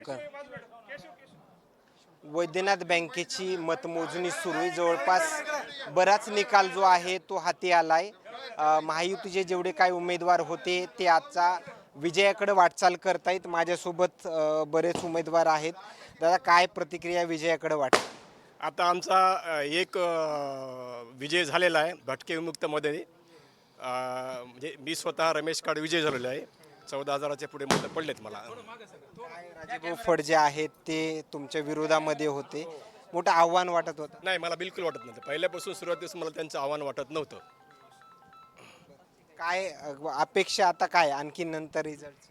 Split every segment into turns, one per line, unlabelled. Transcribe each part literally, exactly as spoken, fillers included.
क- वैद्यनाथ बँकेची मतमोजणी सुरू आहे. जवळपास बराच निकाल जो आहे तो हाती आलाय. अ, महायुतीचे जेवढे काही उमेदवार होते ते आजचा विजयाकडे वाटचाल करतायत. माझ्यासोबत अ, बरेच उमेदवार आहेत. दादा, काय प्रतिक्रिया विजयाकडे वाटते?
आता आमचा अ, एक अ, विजय झालेला आहे भटके विमुक्तमध्ये. अ, म्हणजे मी स्वतः रमेश काड विजय झालेलो आहे. चौदा हजाराच्या पुढे मतं पडलेत मला.
काय राजेभाऊ फड जे आहेत ते तुमच्या विरोधामध्ये होते, मोठं आव्हान वाटत होतं.
नाही, मला बिलकुल वाटत नव्हतं. पहिल्यापासून सुरुवातीस मला त्यांचं आव्हान वाटत नव्हतं.
काय अ, अपेक्षा आता काय आणखी नंतर रिझल्ट?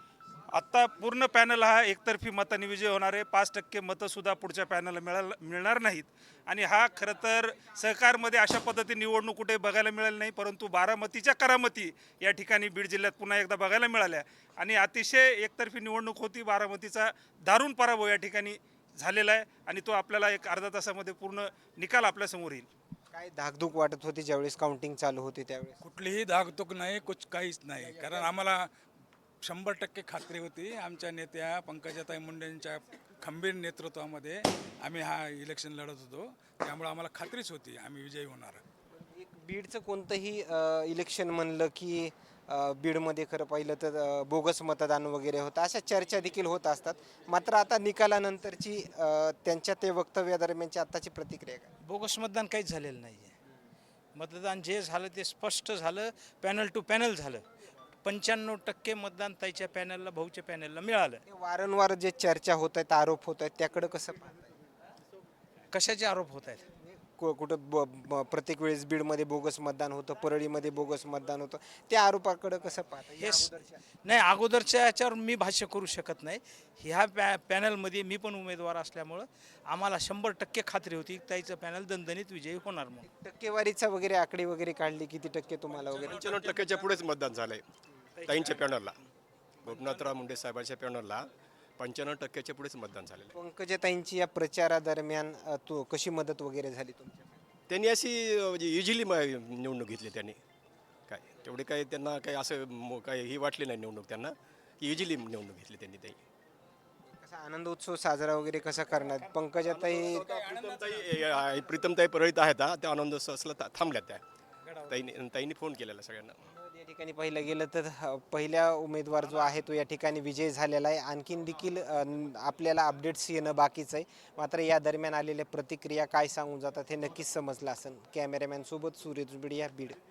आत्ता पूर्ण पॅनल हा एकतर्फी मताने विजय होणार आहे. पाच टक्के मतंसुद्धा पुढच्या पॅनलला मिळाल मिळणार नाहीत. आणि हा खरं तर सहकारमध्ये अशा पद्धतीने निवडणूक कुठे बघायला मिळाली नाही, परंतु बारामतीच्या करामती या ठिकाणी बीड जिल्ह्यात पुन्हा एकदा बघायला मिळाल्या. आणि अतिशय एकतर्फी निवडणूक होती. बारामतीचा दारुण पराभव या ठिकाणी झालेला आहे आणि तो आपल्याला एक अर्धा तासामध्ये पूर्ण निकाल आपल्यासमोर येईल.
काय धाकधूक वाटत होती ज्यावेळेस काउंटिंग चालू होती त्यावेळेस?
कुठलीही धाकधूक नाही, कुछ काहीच नाही. कारण आम्हाला शंभर टक्के खात्री होती आमच्या नेत्या पंकजाताई मुंडेंच्या खंबीर नेतृत्वामध्ये आम्ही हा इलेक्शन लढत होतो. त्यामुळे आम्हाला खात्रीच होती आम्ही विजयी होणार.
एक बीडचं कोणतंही अ, इलेक्शन म्हणलं की अ, बीडमध्ये खरं पाहिलं तर अ, बोगस मतदान वगैरे होतं, अशा चर्चा देखील होत असतात. मात्र आता निकालानंतरची अ, त्यांच्या ते वक्तव्यादरम्यानची आत्ताची प्रतिक्रिया काय?
बोगस मतदान काहीच झालेलं नाही आहे. मतदान जे झालं ते स्पष्ट झालं, पॅनल टू पॅनल झालं. पंच्याण्णव टक्के मतदान ताईच्या पॅनलला, भाऊच्या पॅनलला मिळालं.
हे वारंवार जे चर्चा होत आहेत, आरोप होत आहेत, त्याकडं कसं पाहताय?
कशाचे आरोप होत आहेत?
कु- कुठं ब ब- प्रत्येक वेळेस बीडमध्ये बोगस मतदान होतं, परळीमध्ये बोगस मतदान होतं, त्या आरोपाकडं कसं पाहता?
हे स- नाही, अगोदरच्या याच्यावर मी भाष्य करू शकत नाही. ह्या पॅ पॅनलमध्ये मी पण उमेदवार असल्यामुळं आम्हाला शंभर टक्के खात्री होती की ताईचं पॅनल दणदणीत विजयी होणार म्हणून.
टक्केवारीचा वगैरे आकडे वगैरे काढली, किती टक्के तुम्हाला वगैरे?
पंच्याण्णव टक्क्याच्या पुढेच मतदान झालं आहे ताईंच्या पॅनलला. गोपनाथराव मुंडे साहेबांच्या पॅनलला पंच्याण्णव टक्क्याच्या पुढेच मतदान झालेलं आहे.
पंकजाताईंची या प्रचारादरम्यान अ, तो कशी मदत वगैरे झाली तुमच्या?
त्यांनी अशी अ, म्हणजे इझिली निवडणूक घेतली त्यांनी. काय तेवढे काही त्यांना काही असं मो- काही ही वाटली नाही निवडणूक त्यांना, की इझिली निवडणूक घेतली त्यांनी. ताई
कसा आनंद उत्सव साजरा वगैरे कसा करणार पंकजाताई?
प्रीतमताई अ, प्रीतमताई परळीत आहेत हा, त्या आनंद असला थांबल्या त्या. ताईने ताईंनी फोन केलेला सगळ्यांना.
या ठिकाणी पाहिलं गेलं तर अ, पहिला उमेदवार जो आहे तो या ठिकाणी विजय झालेला आहे. आणखीन देखील अ, न- आपल्याला अपडेट्स येणं बाकीचं आहे. मात्र या दरम्यान आलेल्या प्रतिक्रिया काय सांगून जातात हे नक्कीच समजलं असेल. कॅमेरामॅन सोबत सूर्य बीड या बीड.